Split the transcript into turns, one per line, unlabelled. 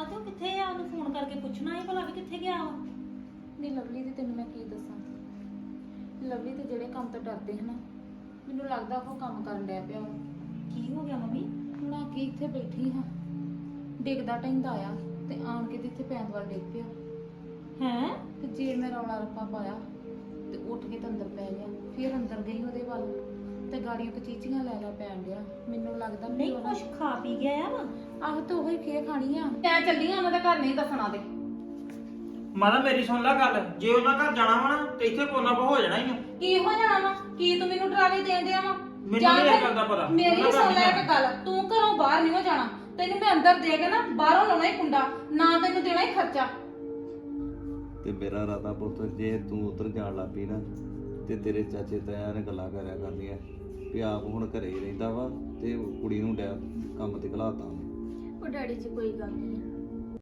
ਤੇ ਉਹ ਕਿੱਥੇ ਆ? ਉਹਨੂੰ ਫੋਨ ਕਰਕੇ ਪੁੱਛਣਾ ਹੀ ਭਲਾ ਵੀ ਕਿੱਥੇ ਗਿਆ ਵਾ।
ਨਹੀਂ ਲਵਲੀ ਦੀ ਤੈਨੂੰ ਮੈਂ ਕੀ ਦੱਸਾਂ। ਲਵਲੀ ਤੇ ਜਿਹੜੇ ਕੰਮ ਤੋਂ ਡਰਦੇ ਹਨ ਮੈਨੂੰ ਲੱਗਦਾ ਉਹ ਕੰਮ ਕਰਨ ਡਿਆ ਪਿਆ ਵਾ।
ਕੀ ਹੋ ਗਿਆ ਮੰਮੀ?
ਹੁਣ ਆ ਕੇ ਇੱਥੇ ਬੈਠੀ ਹਾਂ, ਡਿੱਗਦਾ ਢਹਿੰਦਾ ਆ ਤੇ ਆਣ ਕੇ ਤੇ ਇੱਥੇ ਪੈਣ ਵੱਲ ਡਿੱਗ ਪਿਆ।
ਹੈ
ਤੇ ਜੇ ਮੈਂ ਰੌਲਾ ਰੱਪਾ ਪਾਇਆ ਤੇ ਉੱਠ ਕੇ ਤੇ ਅੰਦਰ ਪੈ ਗਿਆ। ਫਿਰ ਅੰਦਰ ਗਈ ਉਹਦੇ ਵੱਲ ਤੇ ਗਾੜੀਆਂ ਕਚੀਚੀਆਂ ਲੈ ਪੈਣ ਡਿਆ। ਮੈਨੂੰ ਲੱਗਦਾ
ਨਹੀਂ ਕੁਛ ਖਾ ਪੀ ਗਿਆ ਆ ਵਾ।
ਆਹ ਤਾਂ ਉਹੀ ਖੇ ਖਾਣੀ ਆ। ਮੈਂ ਚੱਲੀ ਆ ਉਹਨਾਂ ਦੇ ਘਰ, ਨਹੀਂ ਦੱਸਣਾ ਤੇ
ਮਾਤਾ ਮੇਰੀ ਸੁਣ ਲੈ ਗੱਲ, ਜੇ ਉਹਨਾਂ ਘਰ ਜਾਣਾ ਵਾ ਨਾ ਤੇ ਇੱਥੇ ਕੋਨਾ ਕੋ ਹੋ ਜਾਣਾ ਹੀ ਆ।
ਕੀ ਹੋ ਜਾਣਾ ਵਾ? ਕੀ ਤੂੰ ਮੈਨੂੰ ਡਰਾਵੇ ਦੇਣ ਡਿਆ ਵਾ?
ਮੈਨੂੰ ਨਹੀਂ ਇਹ ਗੱਲ ਦਾ ਪਤਾ।
ਮੇਰੀ ਵੀ ਸੁਣ ਲੈ ਇੱਕ ਗੱਲ, ਤੂੰ ਘਰੋਂ ਬਾਹਰ ਨਹੀਂ ਹੋ ਜਾਣਾ। ਤੈਨੂੰ ਮੈਂ ਅੰਦਰ ਦੇ ਕੇ ਨਾ ਬਾਹਰੋਂ ਲਾਉਣਾ ਹੀ ਕੁੰਡਾ, ਨਾ ਤੈਨੂੰ ਦੇਣਾ ਹੀ ਖਰਚਾ।
ਤੇ ਮੇਰਾ ਰਾਤਾ ਪੁੱਤ ਜੇ ਤੂੰ ਉਧਰ ਜਾਣ ਲੱਗ ਪਈ ਨਾ ਤੇ ਤੇਰੇ ਚਾਚੇ ਤਾਇਆ ਨੇ ਗੱਲਾਂ ਕਰਿਆ ਕਰਦੀਆਂ ਵੀ ਆਪ ਹੁਣ ਘਰੇ ਹੀ ਰਹਿੰਦਾ ਵਾ ਤੇ ਕੁੜੀ ਨੂੰ ਕੰਮ ਤੇ ਘਲਾਤਾ ਉਹਨੇ।
ਉਹ ਡੈਡੀ ਜੀ ਕੋਈ ਗੱਲ ਨਹੀਂ,